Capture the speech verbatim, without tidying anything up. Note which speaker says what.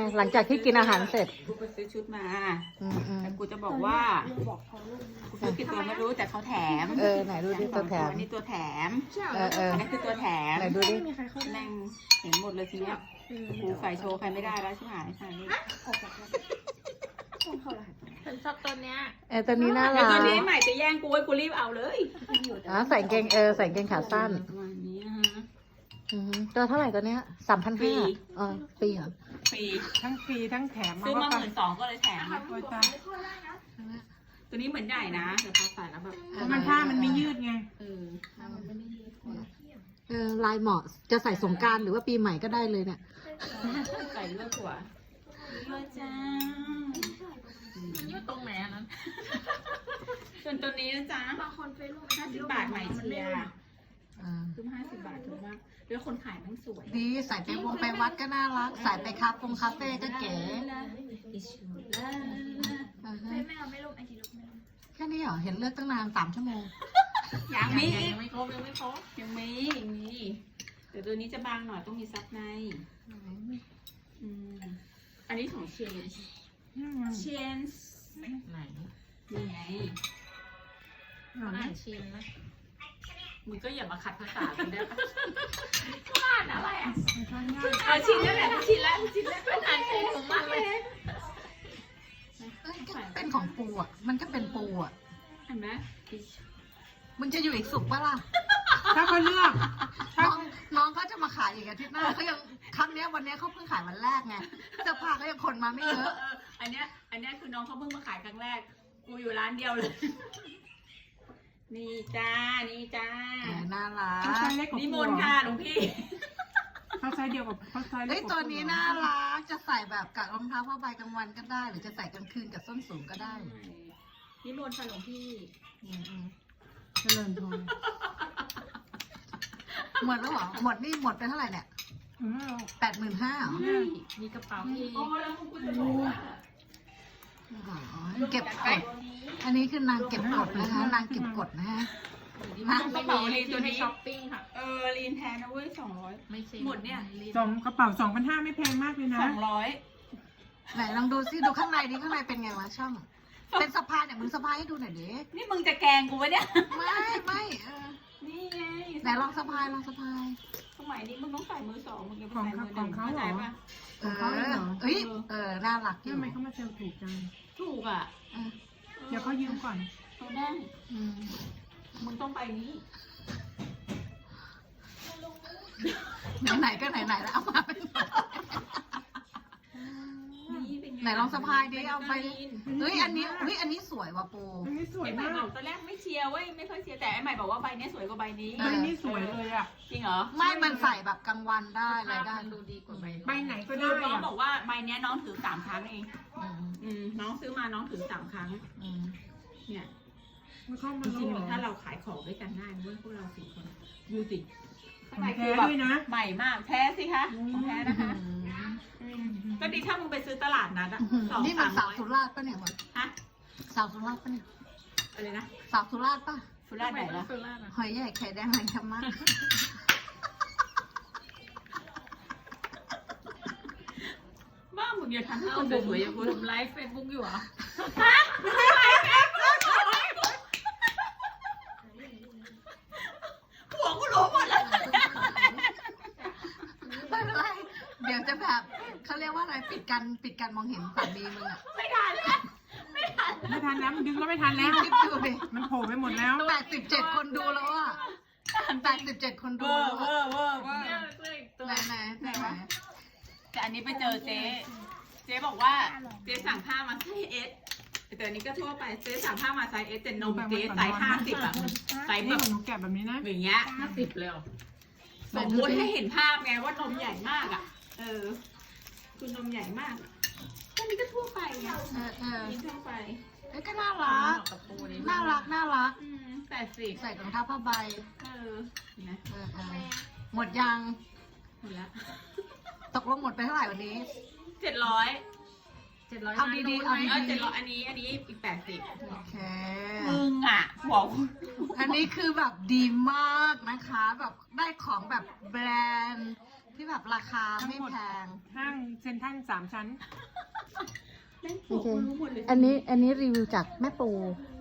Speaker 1: หลังจากที่กินอาหารเสร็จ
Speaker 2: กูไปซื้อชุดมา
Speaker 1: อืมอืม
Speaker 2: แต่กูจะบอกว่ากูซื้อกี่ตัวไม่รู้แต่เขาแถม
Speaker 1: เออไหนดูดิตัวแถม
Speaker 2: อันนี้ตัวแถม
Speaker 1: เออเออ
Speaker 2: อันนี้คือตัวแถม
Speaker 1: ไหนดูดิ
Speaker 2: แม่งเห็นหมดเลยทีเนี้ยกูใส่โชว์ใครไม่ได้แล้วใช่ไหมใส่นี่
Speaker 3: ฉันชอบตัวเนี้ย
Speaker 1: เออตัวนี้น่า
Speaker 2: แต่
Speaker 1: รัก
Speaker 2: ตัวนี้ใหม่จะแย่งกูไว้กูรีบเอาเลย
Speaker 1: อ๋อใส่กางเกงเออใส่กางเกงขาสั้น
Speaker 2: ประมาณนี้นะฮะ
Speaker 1: อืมตัวเท่าไหร่ตัวเนี้ยสามพัน
Speaker 2: ฟรี
Speaker 1: ห้าอ๋อปีเหรอ
Speaker 2: ฟรี
Speaker 4: ทั้งฟรีทั้งแถม
Speaker 2: ซื้อมาห
Speaker 4: ว่า
Speaker 2: มื่นสองก็เลยแถม
Speaker 4: โอ้ยตาย
Speaker 2: ตัวนี้เหมือนใหญ่นะแต่พอใส่แล้วแบบ
Speaker 4: เพราะมันผ้ามันไม่ยืดไง
Speaker 2: เออ
Speaker 1: เออลายเหมาะจะใส่สงกรานต์หรือว่าปีใหม่ก็ได้เลยเนี่ย
Speaker 2: ใส่เลือกหัวเลือกจ้า
Speaker 3: มันอยู่ตรงไหนอันนั้น
Speaker 2: ส่วนตัวนี้นะจ๊ะ
Speaker 3: บางคนเฟซบุ๊ก
Speaker 2: ห้าสิบบาทใหม่เชียร์
Speaker 1: อ่า
Speaker 2: ซื้อห้าสิบบาทถูกมากแล้วคนขายมันสวย
Speaker 1: ดีใส่ไปวงไปวัดก็น่ารัก ใส่ไปคาเฟ่คาเฟ่ก็เก๋อ่าฮะ
Speaker 3: ไม่เอาไม่ลงไอจีลงไม่ลง
Speaker 1: แค่นี้เหรอ เห็นเลือกตั้งนานสามชั่วโมง
Speaker 2: ยังมี
Speaker 3: ยังไม่ครบยังไม่ครบ
Speaker 2: ยังมียังมีแต่ตัวนี้จะบางหน่อยต้องมีซับในอืมอันนี้ของเชนเชน
Speaker 3: ไหน
Speaker 2: นี่ไง
Speaker 3: อ่านชิมนะ
Speaker 2: มึงก็อย่ามาขัดภาษากูได้ปะ
Speaker 3: อ่านอะไรอ่ะ
Speaker 2: เอาชิ้นนั่นแหละชิ้นแรกชิ้นแรก
Speaker 3: เป็นอ่านชิมของมันเลย
Speaker 1: เอ้ยก็เป็นของปูอ่ะ มันก็เป็นปูอ่ะ
Speaker 2: เห็นไหม
Speaker 1: มึงจะอยู่อีกสุกปะล่ะ
Speaker 4: ถ้าเขาเลือกถ้า
Speaker 1: น้องน้องก็จะมาขายอีกอาทิตย์หน้าเขายังครั้งเนี้ยวันเนี้ยเขาเพิ่งขายวันแรกไงเสื้อผ้าก็ยังคนมาไม่เยอะ
Speaker 2: อันเนี้ยอันเนี้ยคือน้องเขาเพิ่งมาขายครั้งแรก กูอยู่ร้านเดียวเลย นี่จ้า นี่จ้า
Speaker 1: แหมน่ารั
Speaker 4: เขาไซ
Speaker 1: ก
Speaker 4: ส์เล็กกว่า
Speaker 2: นิมนต์ค่ะหลวงพี่
Speaker 4: เขาไซส์เดียวกับเขาไซส์เล็
Speaker 1: เฮ้
Speaker 4: ก
Speaker 1: ย
Speaker 4: กว่า
Speaker 1: ตัวนี้น่ารัก จะใส่แบบกับรองเท้าผ้าใบกลางวันก็ได้ หรือจะใส่กลางคืนกับส้นสูงก็ได้
Speaker 2: นิมนต์ค่ะหลวงพี่
Speaker 1: อืมอืมเจริญพรหมดแล้วเหรอ หมดนี่หมดไปเท่าไหร่เนี่ย
Speaker 4: อืม
Speaker 1: แปดหมื่นห้า
Speaker 3: มีกระเป๋าที่
Speaker 2: โอ้แล้วมึงกูจะบอกว่า
Speaker 1: เก็บกด อันนี้คือนางเก็บกดนะคะ นางเก็บกดนะฮะ
Speaker 2: นางกระเป๋าลีนตัวนี้
Speaker 3: ช้อปปิ้งค่ะ
Speaker 2: เออลีนแทนนะเว้ยสองร้อย
Speaker 3: ไม่ใช่
Speaker 2: หมดเนี่ย
Speaker 4: สองกระเป๋าสองพันห้าไม่แพงมากเลยนะ
Speaker 2: สองร้อย
Speaker 1: ไหนลองดูซิดูข้างในดิข้างในเป็นไงวะช่อง เป็นสะพายเนี่ยมึงสะพายให้ดูหน่อยดิ
Speaker 2: นี่มึงจะแกล้งกูวะเนี่ย
Speaker 1: ไม่ไม่เออ
Speaker 2: นี่ไง
Speaker 1: ไหนลองสะพายลองสะพาย
Speaker 2: สมัยนี้มึงต้องใส่มือสองมึงจะไป
Speaker 4: ของ
Speaker 2: ใส่
Speaker 4: เขา
Speaker 2: มือห
Speaker 4: ขอ
Speaker 2: นึ่
Speaker 4: ง
Speaker 2: ง
Speaker 4: เขา
Speaker 2: เข้า
Speaker 4: เหร
Speaker 2: ใจ
Speaker 4: อ
Speaker 2: ปะ
Speaker 1: เออเอ้ยเออน่ารักอยู่
Speaker 4: ทำไมเขามาเซลล์ถูกจัง
Speaker 2: ถูกอ่ะ
Speaker 1: เออ
Speaker 4: เดี๋ยวเขายืมก่อน
Speaker 2: เขาได้
Speaker 1: อืม
Speaker 2: มึงต้องไปนี้
Speaker 1: ไหนๆก็ไหนๆแล้วเอามาเป็น
Speaker 2: นี่เป็นไง
Speaker 1: ไหนลองสะพายดิเอาไปเฮ้ยอันนี้เฮ้ยอันนี้สวยว่ะปู
Speaker 4: อันนี้สวย
Speaker 2: ไอ้ใหม่
Speaker 4: มาก
Speaker 2: บอกตอนแรกไม่เชียร์เว้ยไม่ค่อยเชียร์แต่ไอ้ใหม่บอกว่าใบเนี้ยสวยกว่าใบนี้
Speaker 1: เอ
Speaker 4: ใบ
Speaker 1: อ
Speaker 4: นี้สวยเลยอ่ะ
Speaker 2: จริงเหรอ
Speaker 1: ไม่มันใส่แบบกลางวันได้อะไรได้
Speaker 3: มันดูดีกว่าใบ
Speaker 4: ใบไหนก็
Speaker 2: คือ
Speaker 4: ได้
Speaker 2: น้อง
Speaker 4: อ่ะ
Speaker 2: บอกว่าใบเนี้ยน้องถือสามครั้งเอง
Speaker 1: อืม
Speaker 2: อืมน้องซื้อมาน้องถือสามครั้ง
Speaker 1: อืม
Speaker 2: เนี่ย
Speaker 4: มันเข้า
Speaker 2: จ
Speaker 4: มา
Speaker 2: ริง
Speaker 4: โล
Speaker 2: ๆถ้าเราขายของด้วยกันได้เว้ยพวกเราสี่คนดูสิข้างใน
Speaker 4: แท้
Speaker 2: คือแบบ
Speaker 4: ด้วยนะ
Speaker 2: ใหม่มากแท้สิคะของแท้นะคะ
Speaker 1: อืม
Speaker 2: อืมก็ดีถ้ามึงไปซื้อตลาดนัดอะสอง
Speaker 1: นี่มั
Speaker 2: สาน ม
Speaker 1: สา
Speaker 2: ร้
Speaker 1: ว
Speaker 2: อย
Speaker 1: สุราษฎร์ปะเนี่ยมัน
Speaker 2: ฮะ
Speaker 1: สาวสุราษฎร์ปะเนี่ย
Speaker 2: อะไรนะ
Speaker 1: สาวสุราษฎร์ปะ
Speaker 2: สุราษฎร์ไหนล่ะ
Speaker 3: สุราษฎร์อะ
Speaker 1: หอยใหญ่ไข่แดงอะไรกันมาก
Speaker 2: บ้ามึงอย่าทำให้
Speaker 3: เอา
Speaker 2: เรา
Speaker 3: บุ๋ม
Speaker 2: สวยๆอย่างกู
Speaker 3: บุ๋มไลฟ์เฟซบุ๊กอยู่เหรอ
Speaker 2: หัวกูรู้หมดแล้ว
Speaker 1: ไม่เป็นไรเดี๋ยวจะแบบเขาเรียกว่าอะไรปิดกันปิดกันมองเห็นสามีมึงอะ
Speaker 2: ไม่ทันแล้วไม่ทัน
Speaker 4: ไม่ทันแล้วมันดึงก็ไม่ทันแล้ว
Speaker 1: คลิปดูดิ
Speaker 4: มันโผล่ไปหมดแล้ว
Speaker 1: แปดสิบเจ็ดคนดูแล้วอะแปดสิบเจ็ดคน
Speaker 2: เว
Speaker 1: ดู
Speaker 2: อ
Speaker 1: แล้
Speaker 2: ร์
Speaker 1: ว
Speaker 2: เวอ
Speaker 1: อะ
Speaker 2: ร์เวอร์เวอร์
Speaker 3: เนี่ยเสื้ออีกตัว
Speaker 1: ไหนไหนไหนไหน
Speaker 2: แต่อันนี้ไปเจอเจ๊เจ๊บอกว่าเจ๊สั่งผ้ามาไซส์เอสแต่อันนี้ก็ทั่วไปเจ๊สั่งผ้ามาไซส์เอสแต่นมเจ๊ไซส์ห้าสิบอะไซส์แบ
Speaker 4: นี่
Speaker 2: บ
Speaker 4: ของหนูแกะแบบนี้นะ
Speaker 2: อย่างเงี้ย
Speaker 3: ห้าสิบเลยเหรอ
Speaker 2: สมมติให้เห็นภาพไงว่านมใหญ่มากอ่ะ เออ คือนมใหญ่มากอะอันนี้ก็ทั่วไปไง
Speaker 1: เออเออ
Speaker 2: นี่ทั่วไป
Speaker 1: เอ้ยก็น่ารัก
Speaker 3: กับปูนี่
Speaker 1: น่ารักน่ารัก
Speaker 2: อืมแปดสิบ
Speaker 1: ใส่รองเท้าผ้าใบ
Speaker 2: เออเห็นไหม
Speaker 1: เออเออหมดยัง
Speaker 2: หมดละ
Speaker 1: ตกลงหมดไปเท่าไหร่วันนี้
Speaker 2: เจ็ดร้อย
Speaker 3: เจ็ดร้อย
Speaker 1: เอาดีๆเอาดี
Speaker 2: เออเจ็ดร้อยอันนี้ อันนี้อีกแปดสิบ
Speaker 1: โอเค
Speaker 2: มึงอ่ะหัว
Speaker 1: อันนี้คือแบบดีมากนะคะ แบบได้ของแบบแบรนด์ที่แบบราคาไม่แพง
Speaker 4: ห้างเซ็นทรัลสามชั้น
Speaker 2: แม่ง
Speaker 1: โอ
Speaker 2: โผล่
Speaker 1: เค
Speaker 2: รู้หมดเลย
Speaker 1: อันนี้อันนี้รีวิวจากแม่ปู
Speaker 2: อ